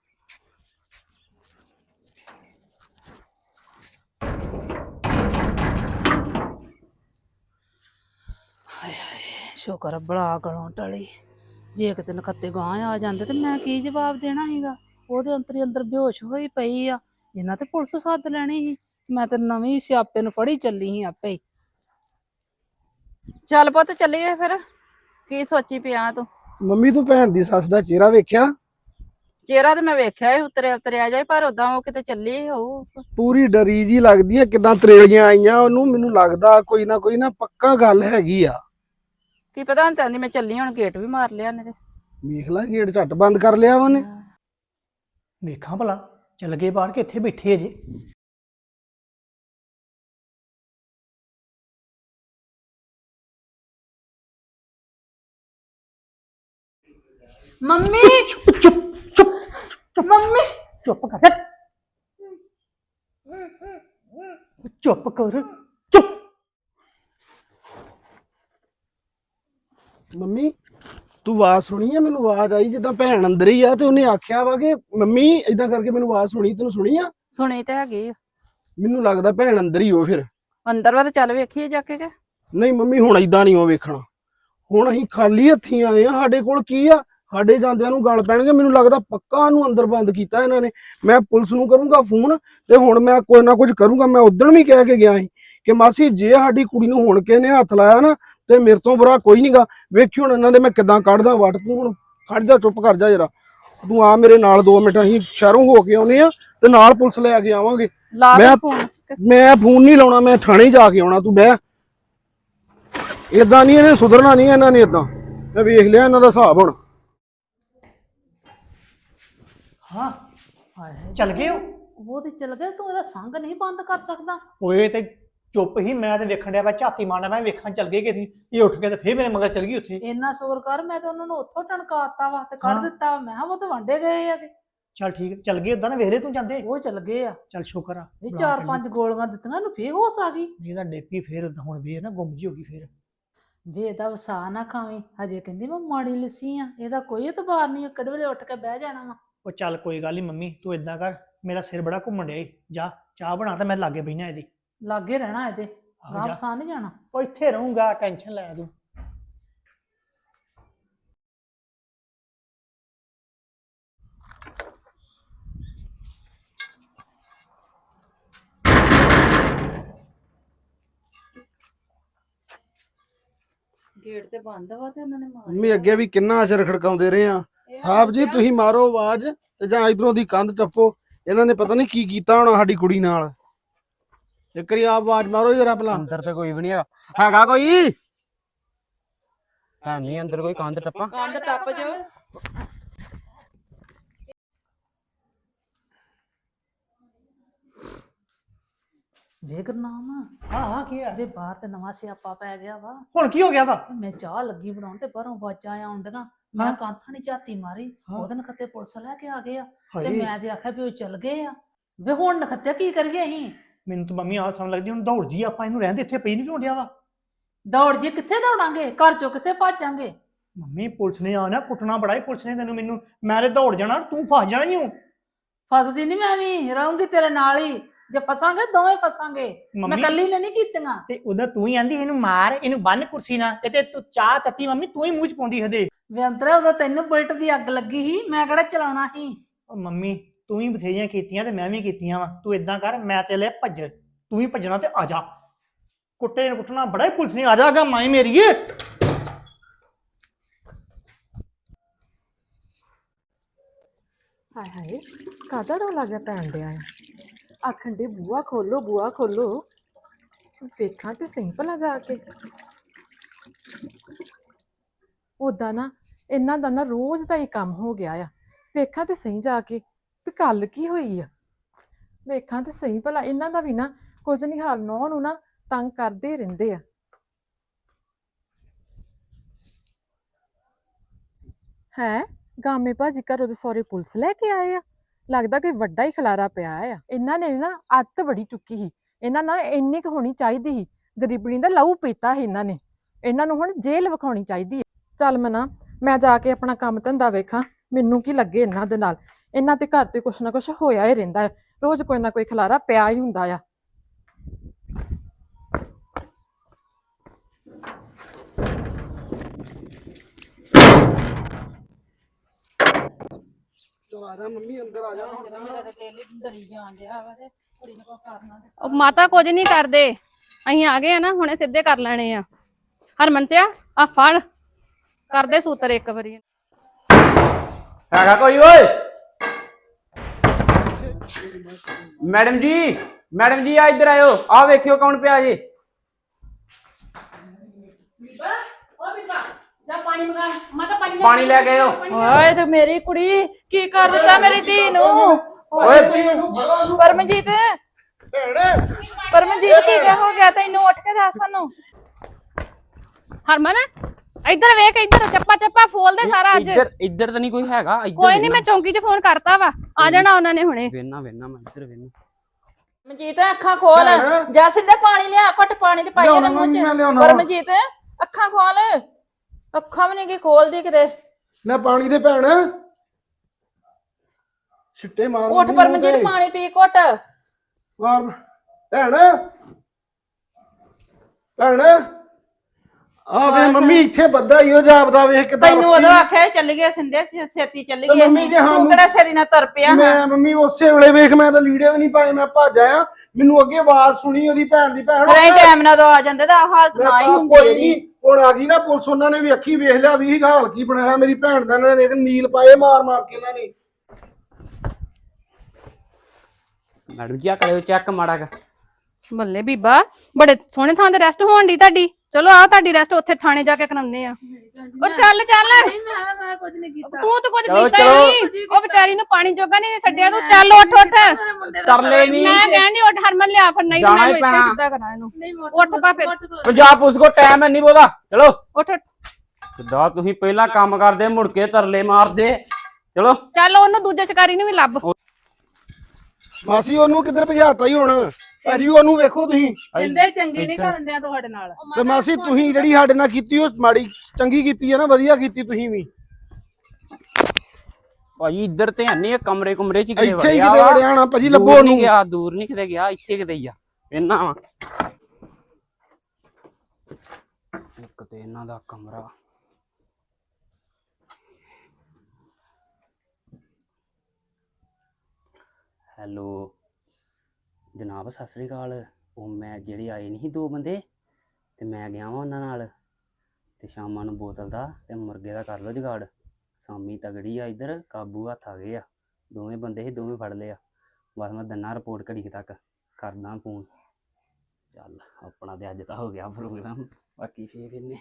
[SPEAKER 2] ਹਾਏ ਹਾਏ ਸ਼ੁਕਰ ਬੜਾ ਗਲੋਂ ਟਲੀ, ਜੇ ਕਿਤੇ ਨਖੱਤੇ ਗਾਂ ਆ ਜਾਂਦੇ ਤੇ ਮੈਂ ਕੀ ਜਵਾਬ ਦੇਣਾ ਸੀਗਾ। ਉਹਦੇ ਅੰਤਰੀ ਅੰਦਰ ਬੇਹੋਸ਼ ਹੋਈ ਪਈ ਆ, ਇਹਨਾਂ ਤੇ ਪੁਲਿਸ ਸੱਦ ਲੈਣੀ ਸੀ, ਮੈਂ ਤੇ ਨਵੀਂ ਸਿਆਪੇ ਨੂੰ ਫੜੀ ਚੱਲੀ ਸੀ ਆਪੇ ਹੀ।
[SPEAKER 1] ਚੱਲ ਪੁੱਤ ਚੱਲੀਏ ਫਿਰ, ਕੀ ਸੋਚੀ ਪਿਆ ਤੂੰ?
[SPEAKER 3] ਮੰਮੀ ਤੂੰ ਭੈਣ ਦੀ ਸੱਸ ਦਾ ਚਿਹਰਾ ਵੇਖਿਆ?
[SPEAKER 1] ਚਿਹਰਾ ਤੇ ਮੈਂ ਵੇਖਿਆ ਏ, ਉਤਰਿਆ ਜਾਏ, ਪਰ ਉਦਾਂ ਉਹ ਕਿਤੇ ਚੱਲੀ ਹੋਊ।
[SPEAKER 3] ਪੂਰੀ ਡਰੀ ਜੀ ਲੱਗਦੀ ਆ, ਕਿਦਾਂ ਤਰੇਲੀਆਂ ਆਈਆਂ ਉਹਨੂੰ, ਮੈਨੂੰ ਲੱਗਦਾ ਕੋਈ ਨਾ ਪੱਕਾ ਗੱਲ ਹੈਗੀ ਆ।
[SPEAKER 1] ਕੀ ਪਤਾ ਹੁਣ ਕਹਿੰਦੀ ਮੈਂ ਚੱਲੀ, ਹੁਣ ਗੇਟ ਵੀ ਮਾਰ ਲਿਆ ਨੇ ਤੇ।
[SPEAKER 3] ਵੇਖ ਲੈ ਗੇਟ ਝੱਟ ਬੰਦ ਕਰ ਲਿਆ ਉਹਨੇ।
[SPEAKER 4] ਵੇਖਾਂ ਭਲਾ ਚੱਲ ਗਏ ਬਾਹਰ ਕਿ ਇੱਥੇ ਬੈਠੇ ਅਜੇ।
[SPEAKER 2] ਮੰਮੀ
[SPEAKER 4] ਚੁੱਪ
[SPEAKER 2] ਮੰਮੀ
[SPEAKER 4] ਚੁੱਪ ਕਰ, ਚੁੱਪ ਕਰ, ਚੁੱਪ।
[SPEAKER 3] ਮੰਮੀ ਤੂੰ ਆਵਾਜ਼ ਸੁਣੀ ਆ? ਮੈਨੂੰ ਆਵਾਜ਼ ਆਈ ਜਿੱਦਾਂ ਭੈਣ ਅੰਦਰ ਹੀ ਆ, ਤੇ ਉਹਨੇ ਆਖਿਆ ਵਾ ਕਿ ਮੰਮੀ ਏਦਾਂ ਕਰਕੇ ਮੈਨੂੰ ਆਵਾਜ਼ ਸੁਣੀ, ਤੈਨੂੰ ਸੁਣੀ ਆ?
[SPEAKER 1] ਸੁਣੀ ਤੇ ਹੈਗੀ ਆ।
[SPEAKER 3] ਮੈਨੂੰ ਲੱਗਦਾ ਭੈਣ ਅੰਦਰ ਹੀ ਹੋ ਫਿਰ।
[SPEAKER 1] ਅੰਦਰ ਵਾ ਤੇ ਚੱਲ ਵੇਖੀਏ ਜਾ ਕੇ।
[SPEAKER 3] ਨਹੀਂ ਮੰਮੀ ਹੁਣ ਏਦਾਂ ਨਹੀਂ ਉਹ ਵੇਖਣਾ, ਹੁਣ ਅਸੀਂ ਖਾਲੀ ਹੱਥੀਂ ਆਏ ਆ, ਸਾਡੇ ਕੋਲ ਕੀ ਆ? ਸਾਡੇ ਜਾਂਦਿਆਂ ਨੂੰ ਗਲ ਪੈਣਗੇ, ਮੈਨੂੰ ਲੱਗਦਾ ਪੱਕਾ ਨੂੰ ਅੰਦਰ ਬੰਦ ਕੀਤਾ ਇਹਨਾਂ ਨੇ। ਮੈਂ ਪੁਲਿਸ ਨੂੰ ਕਰੂੰਗਾ ਫੋਨ, ਤੇ ਹੁਣ ਮੈਂ ਕੁਝ ਨਾ ਕੁਝ ਕਰੂੰਗਾ। ਮੈਂ ਉਦਣ ਵੀ ਕਹਿ ਕੇ ਗਿਆ ਸੀ ਕਿ ਮਾਸੀ ਜੇ ਸਾਡੀ ਕੁੜੀ ਨੂੰ ਹੁਣ ਕਿਸੇ ਨੇ ਹੱਥ ਲਾਇਆ ਨਾ, ਤੇ ਮੇਰੇ ਤੋਂ ਬੁਰਾ ਕੋਈ ਨਹੀਂਗਾ। ਵੇਖੀ ਹੁਣ ਇਹਨਾਂ ਦੇ ਮੈਂ ਕਿੱਦਾਂ ਕੱਢਦਾ ਵੱਟ। ਤੂੰ ਹੁਣ ਖੜ ਜਾ, ਚੁੱਪ ਕਰ ਜਾ ਜਰਾ। ਤੂੰ ਆ ਮੇਰੇ ਨਾਲ 2 ਮਿੰਟ, ਅਸੀਂ ਸ਼ਹਿਰੋਂ ਹੋ ਕੇ ਆਉਨੇ ਆ ਤੇ ਨਾਲ ਪੁਲਿਸ ਲੈ ਕੇ ਆਵਾਂਗੇ।
[SPEAKER 1] ਲਾ ਦੇ
[SPEAKER 3] ਮੈਂ
[SPEAKER 1] ਫੋਨ।
[SPEAKER 3] ਫੋਨ ਨਹੀਂ ਲਾਉਣਾ, ਮੈਂ ਥਾਣੇ ਜਾ ਕੇ ਆਉਣਾ। ਤੂੰ ਬਹਿ। ਏਦਾਂ ਨਹੀਂ ਇਹਨੇ ਸੁਧਰਨਾ, ਨਹੀਂ ਇਹਨਾਂ ਨੇ ਏਦਾਂ। ਮੈਂ ਵੇਖ ਲਿਆ ਇਹਨਾਂ ਦਾ ਹਿਸਾਬ ਹੁਣ।
[SPEAKER 4] ਹਾਂ
[SPEAKER 2] ਹਾਏ
[SPEAKER 4] ਚੱਲ ਗਏ ਹੋ?
[SPEAKER 2] ਉਹ ਤੇ ਚਲ ਗਿਆ, ਤੂੰ ਇਹਦਾ ਸੰਗ ਨਹੀਂ ਬੰਦ ਕਰ ਸਕਦਾ।
[SPEAKER 4] ਓਏ ਤੇ ਚੁੱਪ ਹੀ, ਮੈਂ ਤੇ ਵੇਖਣ ਡਿਆ, ਮੈਂ ਝਾਤੀ ਮਾਰਨਾ, ਮੈਂ ਵੇਖਣ ਚੱਲ ਗਏ ਕਿਥੇ। ਇਹ ਉੱਠ ਕੇ ਤੇ ਫੇਰ ਮੇਰੇ ਮਗਰ ਚੱਲ ਗਈ ਉੱਥੇ।
[SPEAKER 2] ਇੰਨਾ ਸ਼ੋਰ ਕਰ, ਮੈਂ ਤਾਂ ਉਹਨਾਂ ਨੂੰ ਉੱਥੋਂ ਟਣਕਾਤਾ ਵਾ ਤੇ ਕੱਢ
[SPEAKER 4] ਹਾਂ।
[SPEAKER 2] ਦਿੱਤਾ। ਮੈਂ ਕਿਹਾ ਉਹ ਤਾਂ ਵੰਡੇ ਗਏ ਆ।
[SPEAKER 4] ਚੱਲ ਠੀਕ, ਚੱਲ ਗਏ। ਉਦਾਂ ਨਾ ਵੇਖ ਲੈ ਤੂੰ ਜਾਂਦੇ।
[SPEAKER 2] ਉਹ ਚਲ ਗਏ ਆ।
[SPEAKER 4] ਚੱਲ ਸ਼ੁਕਰ ਆ।
[SPEAKER 2] ਇਹ
[SPEAKER 4] ਬੁਲਾ ਕੇ
[SPEAKER 2] 4-5 ਗੋਲੀਆਂ ਦਿੱਤੀਆਂ ਨੂੰ ਫੇਰ ਹੋਸ ਆ ਗਈ।
[SPEAKER 4] ਨਹੀਂ ਇਹਦਾ ਡੇਪੀ ਫੇਰ ਏਦਾਂ ਹੁਣ ਵੇਖ ਨਾ ਗੁੰਮ ਜੀ ਹੋ ਗਈ ਫੇਰ।
[SPEAKER 2] ਵੇ ਇਹਦਾ ਵਸਾ ਨਾ ਖਾਵੀਂ। ਹਜੇ ਕਹਿੰਦੀ ਮੈਂ ਮਾੜੀ ਲਿੱਸੀ ਆ, ਇਹਦਾ ਕੋਈ ਇਤਬਾਰ ਨਹੀਂ। ਕਿਹੜੇ ਵੇਲੇ ਉੱਠ ਕੇ ਬਹਿ ਜਾਣਾ ਵਾ।
[SPEAKER 4] ਉਹ ਚੱਲ ਕੋਈ ਗੱਲ ਨਹੀਂ ਮੰਮੀ, ਤੂੰ ਏਦਾਂ ਕਰ, ਮੇਰਾ ਸਿਰ ਬੜਾ ਘੁੰਮਣ ਡਿਆ ਈ। ਜਾ ਚਾਹ ਬਣਾ ਤੇ ਮੈਂ ਲਾਗੇ ਬਹਿਣਾ ਇਹਦੇ।
[SPEAKER 2] ਲਾਗੇ ਰਹਿਣਾ ਇਹਦੇ,
[SPEAKER 4] ਆਹੋ
[SPEAKER 2] ਗਾਂ
[SPEAKER 4] ਜਾ।
[SPEAKER 2] ਵਸਾ ਨਹੀਂ ਜਾਣਾ।
[SPEAKER 4] ਉਹ ਇੱਥੇ ਰਹੂੰਗਾ, ਟੈਨਸ਼ਨ ਲੈ ਤੂੰ।
[SPEAKER 1] ਗੇਟ ਤੇ ਬੰਦ ਵਾ ਤੇ ਉਹਨਾਂ ਨੇ ਮਾਰ
[SPEAKER 3] ਮੰਮੀ ਅੱਗੇ ਵੀ ਕਿੰਨਾ ਅਸਰ ਖੜਕਾਉਂਦੇ ਰਹੇ ਆ। ਸਾਹਿਬ ਜੀ ਤੁਸੀਂ ਮਾਰੋ ਆਵਾਜ਼ ਤੇ ਜਾਂ ਇਧਰੋਂ ਦੀ ਕੰਧ ਟੱਪੋ। ਇਹਨਾਂ ਨੇ ਪਤਾ ਨਹੀਂ ਕੀ ਕੀਤਾ ਹੋਣਾ ਸਾਡੀ ਕੁੜੀ ਨਾਲ। ਇੱਕ ਵਾਰੀ ਆਪ ਆਵਾਜ਼ ਮਾਰੋ ਜਰਾ ਭਲਾ।
[SPEAKER 5] ਅੰਦਰ ਤੇ ਕੋਈ ਵੀ ਨਹੀਂ ਹੈਗਾ ਕੋਈ ਹੈ ਨਹੀਂ ਅੰਦਰ ਕੋਈ। ਕੰਧ ਟੱਪਾ
[SPEAKER 1] ਕੰਧ ਟੱਪ ਜੋ।
[SPEAKER 2] ਵੇ ਗੁਰਨਾਮ,
[SPEAKER 4] ਹਾਂ ਹਾਂ ਕੀ ਆ?
[SPEAKER 2] ਵੇ ਬਾਹਰ ਤੇ ਨਵਾਂ ਸਿਆਪਾ ਪੈ ਗਿਆ ਵਾ।
[SPEAKER 4] ਹੁਣ ਕੀ ਹੋ ਗਿਆ ਵਾ?
[SPEAKER 2] ਮੈਂ ਚਾਹ ਲੱਗੀ ਬਣਾਉਣ ਤੇ ਬਾਹਰੋਂ ਆਵਾਜ਼ਾਂ ਆਉਂਦੀਆਂ। ਮੈਂ
[SPEAKER 4] ਹਾਂ।
[SPEAKER 2] ਕਾਂਥਾਂ ਨਹੀਂ ਝਾਤੀ ਮਾਰੀ,
[SPEAKER 4] ਹਾਂ।
[SPEAKER 2] ਉਹਦੇ ਨਖੱਤੇ ਪੁਲਿਸ ਲੈ ਕੇ ਆ ਗਏ ਆ। ਤੇ
[SPEAKER 4] ਹਾਏ,
[SPEAKER 2] ਮੈਂ ਤੇ ਆਖਿਆ ਵੀ ਉਹ ਚਲ ਗਏ ਆ। ਵੇ ਹੁਣ ਨਖੱਤੇ ਕੀ ਕਰੀਏ ਅਸੀਂ?
[SPEAKER 4] ਮੈਨੂੰ ਤਾਂ ਮੰਮੀ ਆਹ ਸਮਝ ਲੱਗਦੀ ਹੁਣ ਦੌੜ ਜੀ ਆਪਾਂ ਇਹਨੂੰ ਰਹਿੰਦੇ ਇੱਥੇ ਪਈ ਨਹੀਂ ਕਿਉਂ ਡਿਆ ਵਾ?
[SPEAKER 2] ਦੌੜ ਜੇ ਕਿੱਥੇ ਦੌੜਾਂਗੇ? ਘਰ ਚੋਂ ਕਿੱਥੇ ਭੱਜਾਂਗੇ?
[SPEAKER 4] ਮੰਮੀ ਪੁਲਿਸ ਨੇ ਆਣਾ, ਕੁੱਟਣਾ ਬੜਾ ਹੀ ਪੁਲਿਸ ਨੇ ਤੈਨੂੰ ਮੈਨੂੰ। ਮੈਂ ਤੇ ਦੌੜ ਜਾਣਾ, ਤੂੰ ਫਸ ਜਾਣਾ ਹੀ ਹੂੰ।
[SPEAKER 2] ਫਸਦੀ ਨਹੀਂ, ਮੈਂ ਵੀ ਰਹੂੰਗੀ ਤੇਰੇ ਨਾਲ ਹੀ। ਜੇ ਫਸਾਂਗੇ ਦੋਵੇਂ ਫਸਾਂਗੇ। ਮੈਂ
[SPEAKER 4] ਮੰਮੀ
[SPEAKER 2] ਕੱਲੀ ਨੇ ਨਹੀਂ ਕੀਤੀਆਂ।
[SPEAKER 4] ਤੇ ਉਹਦਾ ਤੂੰ ਹੀ ਆਂਦੀ ਇਹਨੂੰ ਮਾਰ, ਇਹਨੂੰ ਬੰਨ ਕੁਰਸੀ ਨਾਲ। ਤੇ ਤੂੰ ਚਾਹ ਤੱਤੀ ਮੰਮੀ ਤੂੰ ਹੀ ਮੂੰਹ ਚ ਪਾਉਂਦੀ ਹਦੇ।
[SPEAKER 2] ਵੇ ਅੰਤਰਾ, ਉਦੋਂ ਤੈਨੂੰ ਬੁਲਟ ਦੀ ਅੱਗ ਲੱਗੀ ਸੀ, ਮੈਂ ਕਿਹੜਾ ਚਲਾਉਣਾ ਸੀ?
[SPEAKER 4] ਉਹ ਮੰਮੀ ਤੂੰ ਹੀ ਬਥੇਰੀਆਂ ਕੀਤੀਆਂ ਤੇ ਮੈਂ ਵੀ ਕੀਤੀਆਂ ਵਾ। ਤੂੰ ਏਦਾਂ ਕਰ, ਮੈਂ ਤੇ ਲੈ ਭੱਜ, ਤੂੰ ਵੀ ਭੱਜਣਾ ਤੇ ਆ ਜਾ। ਕੁੱਟੇ ਨੂੰ ਕੁੱਟਣਾ ਬੜਾ ਹੀ ਪੁਲਿਸ ਨੇ। ਆ ਜਾਗਾ ਮਾਈ ਮੇਰੀਏ।
[SPEAKER 6] ਹਾਏ ਹਾਏ, ਕਾਹਦਾ ਰੌਲਾ ਜਿਹਾ ਪੈਣ ਡਿਆ ਆ? ਆਖਣ ਦੇ ਬੂਆ ਖੋਲੋ, ਬੂਆ ਖੋਲੋ। ਵੇਖਾਂ ਤੇ ਸਹੀ ਭਲਾ ਜਾ ਕੇ। ਉਦਾਂ ਨਾ ਇਹਨਾਂ ਦਾ ਨਾ ਰੋਜ਼ ਦਾ ਹੀ ਕੰਮ ਹੋ ਗਿਆ ਆ। ਵੇਖਾਂ ਤੇ ਸਹੀ ਜਾ ਕੇ ਵੀ ਗੱਲ ਕੀ ਹੋਈ ਆ। ਵੇਖਾਂ ਤੇ ਸਹੀ ਭਲਾ, ਇਹਨਾਂ ਦਾ ਵੀ ਨਾ ਕੁਝ ਨਹੀਂ ਹਾਲ। ਨੌਂ ਨੂੰ ਨਾ ਤੰਗ ਕਰਦੇ ਰਹਿੰਦੇ ਆ। ਹੈ ਗਾਮੇ ਭਾਜੀ ਘਰੋਂ ਦੇ ਸਹੁਰੇ ਪੁਲਿਸ ਲੈ ਕੇ ਆਏ ਆ। ਲੱਗਦਾ ਕੋਈ ਵੱਡਾ ਹੀ ਖਲਾਰਾ ਪਿਆ ਆ। ਇਹਨਾਂ ਨੇ ਨਾ ਅੱਤ ਬੜੀ ਚੁੱਕੀ ਸੀ। ਇਹਨਾਂ ਨਾਲ ਇੰਨੀ ਕੁ ਹੋਣੀ ਚਾਹੀਦੀ ਸੀ। ਗਰੀਬਣੀ ਦਾ ਲਹੂ ਪੀਤਾ ਸੀ ਇਹਨਾਂ ਨੇ। ਇਹਨਾਂ ਨੂੰ ਹੁਣ ਜੇਲ੍ਹ ਵਿਖਾਉਣੀ ਚਾਹੀਦੀ ਹੈ। ਚੱਲ ਮੈਂ ਜਾ ਕੇ ਆਪਣਾ ਕੰਮ ਧੰਦਾ ਵੇਖਾਂ। ਮੈਨੂੰ ਕੀ ਲੱਗੇ ਇਹਨਾਂ ਦੇ ਨਾਲ। ਇਹਨਾਂ ਦੇ ਘਰ ਤੇ ਕੁਛ ਨਾ ਕੁਛ ਹੋਇਆ ਹੀ ਰਹਿੰਦਾ ਹੈ। ਰੋਜ਼ ਕੋਈ ਨਾ ਕੋਈ ਖਲਾਰਾ ਪਿਆ ਹੀ ਹੁੰਦਾ ਆ।
[SPEAKER 3] ਚਲ ਆ ਜਾ ਮੰਮੀ, ਅੰਦਰ ਆ ਜਾ।
[SPEAKER 1] ਮੇਰਾ ਤੇ ਦਿਲ ਹੀ ਡਰੀ ਜਾਣ ਡਿਆ ਵਾ ਤੇ ਕੁੜੀ ਨੇ ਕੋਈ ਕਰਨਾ ਤੇ।
[SPEAKER 7] ਉਹ ਮਾਤਾ ਕੁਝ ਨਹੀਂ ਕਰਦੇ। ਅਸੀਂ ਆ ਗਏ ਆ ਨਾ, ਹੁਣੇ ਸਿੱਧੇ ਕਰ ਲੈਣੇ ਆ। ਹਰਮਨ ਸਿਆ ਆ ਫੜ, ਕਰਦੇ ਸੂਤਰ ਇੱਕ ਵਾਰੀ।
[SPEAKER 5] ਹੈਗਾ ਕੋਈ ਓਏ? ਮੈਡਮ ਜੀ ਆ ਇੱਧਰ ਆਇਓ। ਆ ਵੇਖਿਓ ਕੌਣ ਪਿਆ ਜੀ।
[SPEAKER 7] ਜਾ ਪਾਣੀ ਮੰਗਾ, ਮਾਤਾ
[SPEAKER 5] ਪਾਣੀ ਲੈ ਕੇ ਆਇਓ।
[SPEAKER 1] ਓਏ ਤੇ ਮੇਰੀ ਕੁੜੀ ਕੀ ਕਰ ਦਿੱਤਾ ਮੇਰੀ ਧੀ ਨੂੰ?
[SPEAKER 5] ਓਏ
[SPEAKER 1] ਪਰਮਜੀਤ, ਪਰਮਜੀਤ ਕੀ ਹੋ ਗਿਆ ਤੈਨੂੰ? ਉੱਠ ਕੇ ਦੱਸ ਸਾਨੂੰ।
[SPEAKER 7] ਹਰਮਨ ਇੱਧਰ ਵੇਖ, ਇੱਧਰ ਚੱਪਾ ਫੋਲ ਦੇ ਸਾਰਾ ਅੱਜ।
[SPEAKER 5] ਇੱਧਰ ਤਾਂ ਨਹੀਂ ਕੋਈ ਹੈਗਾ।
[SPEAKER 7] ਕੋਈ ਨਹੀਂ, ਮੈਂ ਚੌਂਕੀ 'ਚ ਫੋਨ ਕਰਤਾ ਵਾ, ਆ ਜਾਣਾ ਉਹਨਾਂ ਨੇ ਹੁਣੇ।
[SPEAKER 5] ਵੇਨਾ ਮੈਂ ਇੱਧਰ ਵੇਨਾ।
[SPEAKER 1] ਪਰਮਜੀਤ ਅੱਖਾਂ ਖੋਲ। ਜਾ ਸਿੱਧਾ ਪਾਣੀ ਲਿਆ, ਘੁੱਟ ਪਾਣੀ ਤੇ ਪਾਈ ਇਹਦੇ ਮੂੰਹ 'ਚ। ਪਰਮਜੀਤ ਅੱਖਾਂ ਖੋਲ। ਅੱਖਾਂ ਵੀ ਨਹੀਂ ਕੀ ਖੋਲਦੀ ਕਿਤੇ।
[SPEAKER 3] ਲੈ ਪਾਣੀ ਦੇ ਭੈਣ, ਛਿੱਟੇ ਮਾਰ।
[SPEAKER 1] ਉੱਠ ਪਰਮਜੀਤ, ਪਾਣੀ ਪੀ ਘੁੱਟ।
[SPEAKER 3] ਮਾਰ ਭੈਣ। ਆ ਵੇ ਮੰਮੀ ਇੱਥੇ ਬੱਦਾ ਹੀ ਹੋ ਜਾਪਦਾ। ਵੇਖ ਕਿਦਾਂ
[SPEAKER 1] ਤੈਨੂੰ ਉਦੋਂ ਆਖਿਆ ਚੱਲ ਗਏ ਸਿੰਦੇ, ਛੇਤੀ ਚੱਲ
[SPEAKER 3] ਤੇ
[SPEAKER 1] ਗਏ।
[SPEAKER 3] ਮੰਮੀ ਜੇ
[SPEAKER 1] ਤੂੰ
[SPEAKER 3] ਸਾਨੂੰ-
[SPEAKER 1] ਕਿਹੜਾ ਸੇਰੀ ਨਾਲ ਤੁਰ ਪਿਆ?
[SPEAKER 3] ਮੈਂ ਮੰਮੀ ਉਸੇ ਵੇਲੇ ਵੇਖ, ਮੈਂ ਤਾਂ ਲੀੜੇ ਵੀ ਨਹੀਂ ਪਾਏ, ਮੈਂ ਭੱਜ ਆਇਆ। ਮੈਨੂੰ ਅੱਗੇ ਆਵਾਜ਼ ਸੁਣੀ ਉਹਦੀ ਭੈਣ ਦੀ। ਭੈਣ
[SPEAKER 1] ਤੇਰੇ ਟਾਈਮ ਨਾਲ ਆ ਜਾਂਦੇ ਤਾਂ ਹਾਲਤ ਨਾ ਹੀ ਹੁੰਦੀ
[SPEAKER 3] ਕੋਈ
[SPEAKER 1] ਇਹਦੀ।
[SPEAKER 3] ਨਹੀਂ, ਹੁਣ ਆ ਗਈ ਨਾ ਪੁਲਿਸ, ਉਹਨਾਂ ਨੇ ਵੀ ਅੱਖੀ ਵੇਖ ਲਿਆ ਵੀ ਇਹ ਹਾਲ ਕੀ ਬਣਾਇਆ ਮੇਰੀ ਭੈਣ ਦਾ। ਇਹਨਾਂ ਨੇ ਦੇਖ ਨੀਲ ਪਾਏ ਮਾਰ ਮਾਰ ਕੇ ਇਹਨਾਂ ਨੇ।
[SPEAKER 5] ਮੈਡਮ ਜੀ ਆ ਕਰਿਓ ਚੈੱਕ ਮਾੜਾ ਕ।
[SPEAKER 7] ਬੱਲੇ ਬੀਬਾ, ਬੜੇ ਸੋਹਣੇ ਥਾਂ ਤੇ ਰੈਸਟ ਹੋਣ ਦੀ ਤੁਹਾਡੀ। ਚਲੋ ਆ ਤੁਹਾਡੀ ਰੈਸਟ ਉੱਥੇ ਥਾਣੇ ਜਾ ਕੇ ਕਰਾਉਂਦੇ ਆ। ਉਹ ਚੱਲ ਚੱਲ,
[SPEAKER 2] ਮੈਂ ਕੁਝ ਨਹੀਂ ਕੀਤਾ।
[SPEAKER 7] ਤੂੰ ਤਾਂ ਕੁਝ
[SPEAKER 5] ਚਲੋ,
[SPEAKER 7] ਕੀਤਾ
[SPEAKER 5] ਚਲੋ।
[SPEAKER 7] ਹੀ ਨਹੀਂ। ਉਹ ਵਿਚਾਰੀ ਨੂੰ ਪਾਣੀ ਜੋਗਾ ਨਹੀਂ ਛੱਡਿਆ ਤੂੰ। ਚੱਲ ਉੱਠ ਉੱਠ।
[SPEAKER 5] ਤਰਲੇ ਨਹੀਂ
[SPEAKER 7] ਮੈਂ ਕਹਿੰਦੀ ਉੱਠ ਹਰਮਨ ਲਿਆ, ਫਿਰ ਨਹੀਂ
[SPEAKER 5] ਜਾਣਾ
[SPEAKER 7] ਮੈਂ
[SPEAKER 5] ਹੀ
[SPEAKER 7] ਇੱਥੇ
[SPEAKER 5] ਪੈਣਾ।
[SPEAKER 7] ਸਿੱਧਾ ਕਰਾਂ ਇਹਨੂੰ।
[SPEAKER 2] ਨਹੀਂ
[SPEAKER 7] ਉੱਠ ਪਾ ਫਿਰ।
[SPEAKER 5] ਪੰਜਾਬ ਪੁਲਿਸ ਕੋ ਟਾਈਮ ਹੈ ਨਹੀਂ ਬੋਦਾ। ਚਲੋ
[SPEAKER 7] ਉੱਠ ਉੱਠ।
[SPEAKER 5] ਕਿੱਦਾਂ ਤੁਸੀਂ ਪਹਿਲਾਂ ਕੰਮ ਕਰਦੇ ਮੁੜ ਕੇ ਤਰਲੇ ਮਾਰਦੇ। ਚਲੋ
[SPEAKER 7] ਚੱਲ ਉਹਨੂੰ ਦੂਜੇ ਸ਼ਿਕਾਰੀ ਨੂੰ ਵੀ ਲੱਭ।
[SPEAKER 3] ਮਾਸੀ ਉਹਨੂੰ ਕਿੱਧਰ ਭਜਾਤਾ ਹੀ ਹੁਣ। ਭਾਜੀ ਉਹਨੂੰ ਵੇਖੋ ਤੁਸੀਂ।
[SPEAKER 2] ਸਿੰਦੇ ਚੰਗੀ ਨਹੀਂ ਕਰਨ ਡਿਆ ਤੁਹਾਡੇ ਨਾਲ।
[SPEAKER 3] ਤੇ ਮਾਸੀ ਤੁਸੀਂ ਜਿਹੜੀ ਸਾਡੇ ਨਾਲ ਕੀਤੀ ਉਹ ਮਾੜੀ ਚੰਗੀ ਕੀਤੀ ਹੈ ਨਾ, ਵਧੀਆ ਕੀਤੀ ਤੁਸੀਂ ਵੀ।
[SPEAKER 5] ਭਾਜੀ ਇੱਧਰ ਤੇ ਨਹੀਂ, ਕਮਰੇ ਕੁਮਰੇ ਚ ਹੀ ਕਿਤੇ
[SPEAKER 3] ਇੱਥੇ ਹੀ
[SPEAKER 5] ਵੜਿਆ
[SPEAKER 3] ਕਿਤੇ
[SPEAKER 5] ਵਾ।
[SPEAKER 3] ਵੜਿਆ ਹੋਣਾ ਭਾਜੀ,
[SPEAKER 5] ਦੂਰ
[SPEAKER 3] ਲੱਭੋ
[SPEAKER 5] ਨਹੀਂ
[SPEAKER 3] ਉਹਨੂੰ।
[SPEAKER 5] ਗਿਆ, ਦੂਰ ਨਹੀਂ ਕਿਤੇ ਗਿਆ, ਇੱਥੇ ਕਿਤੇ ਹੀ ਆ। ਇਹਨਾਂ ਵਾ ਇੱਕ ਤੇ ਇਹਨਾਂ ਦਾ ਕਮਰਾ। ਹੈਲੋ ਜਨਾਬ, ਸਤਿ ਸ੍ਰੀ ਅਕਾਲ। ਉਹ ਮੈਂ ਜਿਹੜੇ ਆਏ ਨਹੀਂ ਸੀ 2 ਬੰਦੇ, ਤੇ ਮੈਂ ਗਿਆ ਵਾਂ ਉਹਨਾਂ ਨਾਲ। ਤੇ ਸ਼ਾਮਾਂ ਨੂੰ ਬੋਤਲ ਦਾ ਤੇ ਮੁਰਗੇ ਦਾ ਕਰ ਲਓ ਜੁਗਾੜ। ਸਾਮੀ ਤਗੜੀ ਆ, ਇੱਧਰ ਕਾਬੂ ਹੱਥ ਆ ਗਏ ਆ। ਦੋਵੇਂ ਬੰਦੇ ਸੀ, ਦੋਵੇਂ ਫੜ ਲਏ ਆ। ਬਸ ਮੈਂ ਦੰਨਾ ਰਿਪੋਰਟ ਘੜੀ ਕੁ ਤੱਕ ਕਰਦਾ ਫੋਨ। ਚੱਲ ਆਪਣਾ ਤੇ ਅੱਜ ਤਾਂ ਹੋ ਗਿਆ ਪ੍ਰੋਗਰਾਮ, ਬਾਕੀ ਫੇਰ ਇਹਨੇ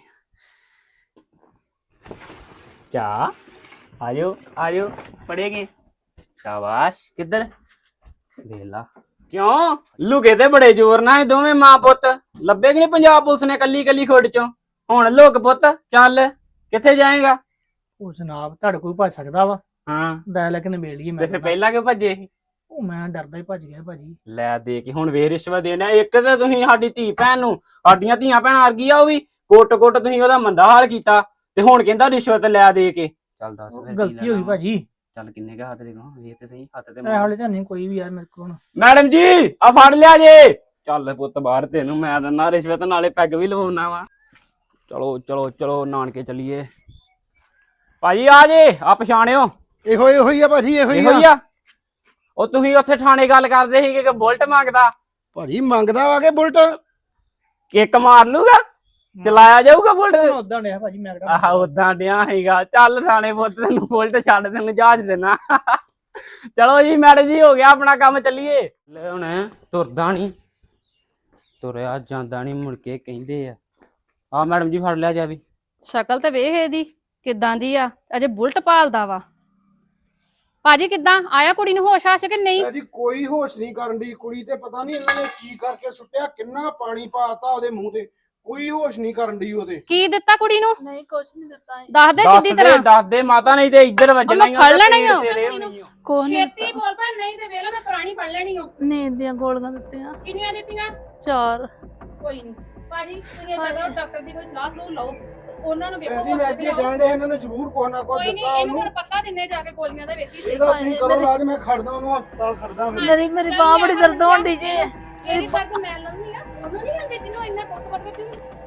[SPEAKER 5] ਚਾ ਆਜੋ ਆਜੋ ਪੜੇਗੇ। ਸ਼ਾਬਾਸ਼। ਕਿੱਧਰ ਵੇਲਾ ਕਿਉਂ ਲੁਕੇ ਤੇ ਬੜੇ ਜ਼ੋਰ ਨਾਲ ਇਹ ਦੋਵੇਂ ਮਾਂ ਪੁੱਤ। ਲੱਭੇ ਕਿ ਨਹੀਂ ਪੰਜਾਬ ਪੁਲਿਸ ਨੇ ਕੱਲੀ ਕੱਲੀ ਖੋੜ ਚੋਂ। ਹੁਣ ਲੋਕ ਪੁੱਤ ਚੱਲ ਕਿੱਥੇ ਜਾਏਗਾ?
[SPEAKER 4] ਉਹ ਜਨਾਬ ਤੁਹਾਡੇ ਕੋਈ ਭੱਜ ਸਕਦਾ ਵਾ।
[SPEAKER 5] ਹਾਂ
[SPEAKER 4] ਦਾ ਲੈ ਕੇ ਨਿਬੇੜ ਲਈਏ।
[SPEAKER 5] ਤੇ
[SPEAKER 4] ਮੈਂ
[SPEAKER 5] ਫਿਰ ਪਹਿਲਾਂ ਕਿਉਂ ਭੱਜੇ ਸੀ?
[SPEAKER 4] ਉਹ ਮੈਂ ਡਰਦਾ ਹੀ ਭੱਜ ਗਿਆ ਭਾਜੀ।
[SPEAKER 5] ਲੈ ਦੇ ਕੇ ਹੁਣ ਵੇ ਰਿਸ਼ਵਤ ਦੇਣਾ। ਇੱਕ ਤੇ ਤੁਸੀਂ ਸਾਡੀ ਧੀ ਭੈਣ ਨੂੰ, ਸਾਡੀਆਂ ਧੀਆਂ ਭੈਣਾਂ ਵਰਗੀ ਆ ਉਹ ਵੀ, ਕੁੱਟ ਕੁੱਟ ਤੁਸੀਂ ਉਹਦਾ ਮੰਦਾ ਹਾਲ ਕੀਤਾ। ਤੇ ਹੁਣ ਕਹਿੰਦਾ ਰਿਸ਼ਵਤ ਲੈ ਦੇ ਕੇ। ਚੱਲ ਦੱਸ ਫਿਰ ਕੀ
[SPEAKER 4] ਗਲਤੀ ਹੋ ਗਈ
[SPEAKER 5] ਲੈਣਾ?
[SPEAKER 4] ਭਾਜੀ।
[SPEAKER 5] ਚੱਲ ਕਿੰਨੇ ਕਾ ਹੱਥ ਦੇ ਗਾ ਵੇਖ ਤੇ ਸਹੀ ਹੱਥ ਤੇ
[SPEAKER 4] ਇਹ
[SPEAKER 5] ਮਾਰ।
[SPEAKER 4] ਹਾਲੇ ਤਾਂ ਨਹੀਂ ਕੋਈ ਵੀ ਯਾਰ ਮੇਰੇ ਕੋਲ ਹੁਣ।
[SPEAKER 5] ਮੈਡਮ ਜੀ ਆ ਫੜ ਲਿਆ ਜੇ। ਚੱਲ ਪੁੱਤ ਬਾਹਰ, ਤੈਨੂੰ ਮੈਂ ਦਿੰਦਾ ਰਿਸ਼ਵਤ, ਨਾਲੇ ਪੈਗ ਵੀ ਲਵਾਉਣਾ ਵਾ। ਚਲੋ ਚਲੋ ਚਲੋ ਨਾਨਕੇ ਚੱਲੀਏ। ਭਾਜੀ ਆ ਜੇ, ਆ ਪਛਾਣਿਓ।
[SPEAKER 3] ਇਹੋ ਹੀ ਆ ਭਾਜੀ, ਇਹੋ
[SPEAKER 5] ਇਹੋ
[SPEAKER 3] ਹੀ
[SPEAKER 5] ਹੀ
[SPEAKER 3] ਆ।
[SPEAKER 5] ਆ। ਉਹ ਤੁਸੀਂ ਉੱਥੇ ਥਾਣੇ ਗੱਲ ਕਰਦੇ ਸੀ ਕਿ ਬੁਲਟ ਮੰਗਦਾ।
[SPEAKER 3] ਭਾਜੀ ਮੰਗਦਾ ਵਾ ਕਿ ਬੁਲਟ।
[SPEAKER 5] ਕਿੱਕ ਮਾਰ ਲੂਗਾ, ਚਲਾਇਆ ਜਾਊਗਾ ਬੁਲਟ।
[SPEAKER 4] ਉਦਾਂ ਡਿਆ ਭਾਜੀ ਮੈਂ ਕਿਹੜਾ।
[SPEAKER 5] ਆਹ ਉਦਾਂ ਡਿਆ ਹੈਗਾ। ਚੱਲ ਥਾਣੇ ਪੁੱਤ, ਤੈਨੂੰ ਬੁਲਟ ਛੱਡ, ਤੈਨੂੰ ਜਹਾਜ਼ ਦੇਣਾ। ਚਲੋ ਜੀ ਮੈਡਮ ਜੀ, ਹੋ ਗਿਆ ਆਪਣਾ ਕੰਮ, ਚੱਲੀਏ। ਲੈ ਹੁਣ ਤੁਰਦਾ ਨਹੀਂ, ਤੁਰਿਆ ਜਾਂਦਾ ਨਹੀਂ, ਮੁੜ ਕੇ ਕਹਿੰਦੇ ਆ ਮੈਡਮ ਜੀ ਫੜ ਲਿਆ ਜਾ ਵੀ।
[SPEAKER 7] ਸ਼ਕਲ ਤੇ ਵੇਖ ਇਹਦੀ ਕਿੱਦਾਂ ਦੀ ਆ, ਅਜੇ ਬੁਲਟ ਪਾਲਦਾ ਵਾ। ਭਾਜੀ ਕਿੱਦਾਂ ਆਇਆ ਕੁੜੀ ਨੂੰ ਹੋਸ਼ ਆਸ਼ ਕਿ ਨਹੀਂ?
[SPEAKER 3] ਭਾਜੀ ਕੋਈ ਹੋਸ਼ ਨਹੀਂ ਕਰਨ ਦੀ ਕੁੜੀ ਤੇ। ਪਤਾ ਨਹੀਂ ਇਹਨਾਂ ਨੇ ਕੀ ਕਰਕੇ ਸੁੱਟਿਆ, ਕਿੰਨਾ ਪਾਣੀ ਪਾਤਾ ਉਹਦੇ ਮੂੰਹ ਤੇ। ਕੋਈ ਹੋਸ਼ ਨਹੀਂ ਕਰਨ ਦੀ ਉਹਦੇ।
[SPEAKER 7] ਕੀ ਦਿੱਤਾ ਕੁੜੀ ਨੂੰ?
[SPEAKER 2] ਨਹੀਂ ਕੁਝ ਨਹੀਂ ਦਿੱਤਾ।
[SPEAKER 7] ਦੱਸ ਦੇ ਸਿੱਧੀ ਤਰ੍ਹਾਂ।
[SPEAKER 5] ਦੱਸ ਦੇ ਮਾਤਾ, ਨਹੀਂ ਤੇ ਇੱਧਰ ਵੱਜਣਾ ਹੀ ਆ।
[SPEAKER 7] ਫੜ ਲੈਣਾ ਹੀ ਆ।
[SPEAKER 2] ਕੋਈ ਨਹੀਂ
[SPEAKER 7] ਛੇਤੀ ਬੋਲ ਪਾ, ਨਹੀਂ ਤੇ ਵੇਲਾ ਮੈਂ ਪੁਰਾਣੀ ਫੜ ਲੈਣੀ ਓ।
[SPEAKER 2] ਨੀਂਦ ਦੀਆਂ ਗੋਲੀਆਂ ਦਿੱਤੀਆਂ
[SPEAKER 7] ਕਿੰਨੀਆਂ ਦਿੱਤੀਆਂ?
[SPEAKER 2] 4।
[SPEAKER 7] ਕੋਈ ਨਹੀਂ ਭਾਜੀ, ਤੁਸੀਂ ਜਗ੍ਹਾ ਡਾਕਟਰ ਦੀ ਕੋਈ ਸਲਾਹ ਸਲੂਹ ਲਓ। ਉਹਨਾਂ ਨੂੰ ਵੇਖੋ
[SPEAKER 3] ਇਹਦੀ ਮੈਂ ਅੱਗੇ ਕਹਿਣ ਇਹਨਾਂ ਨੇ ਜ਼ਰੂਰ ਕੋਹ ਨਾ ਕੋਹ
[SPEAKER 7] ਕੋਈ ਨਹੀਂ,
[SPEAKER 3] ਦਿੱਤਾ
[SPEAKER 7] ਇਹਨੂੰ
[SPEAKER 3] ਉਹਨੂੰ।
[SPEAKER 7] ਹੁਣ ਪਤਾ ਦਿੰਨੇ ਜਾ ਕੇ ਗੋਲੀਆਂ ਦਾ ਵੇਖੀ ਸਹੀ।
[SPEAKER 3] ਇਹਦਾ ਤੁਸੀਂ ਕਰੋ ਇਲਾਜ, ਮੈਂ ਖੜਦਾ ਉਹਨੂੰ ਹਸਪਤਾਲ ਖੜਦਾ।
[SPEAKER 2] ਮੇਰੀ ਬਾਹ ਬੜੀ ਦਰਦ ਹੋਣ ਦੀ ਜੇ।
[SPEAKER 7] ਇਹਦੀ ਦਰਦ ਮੈਂ ਲਾਉਣੀ ਆ, ਉਹਨੂੰ ਨਹੀਂ ਹੁੰਦੀ ਜਿਹਨੂੰ ਇੰਨਾ ਕੁੱਟ ਕੇ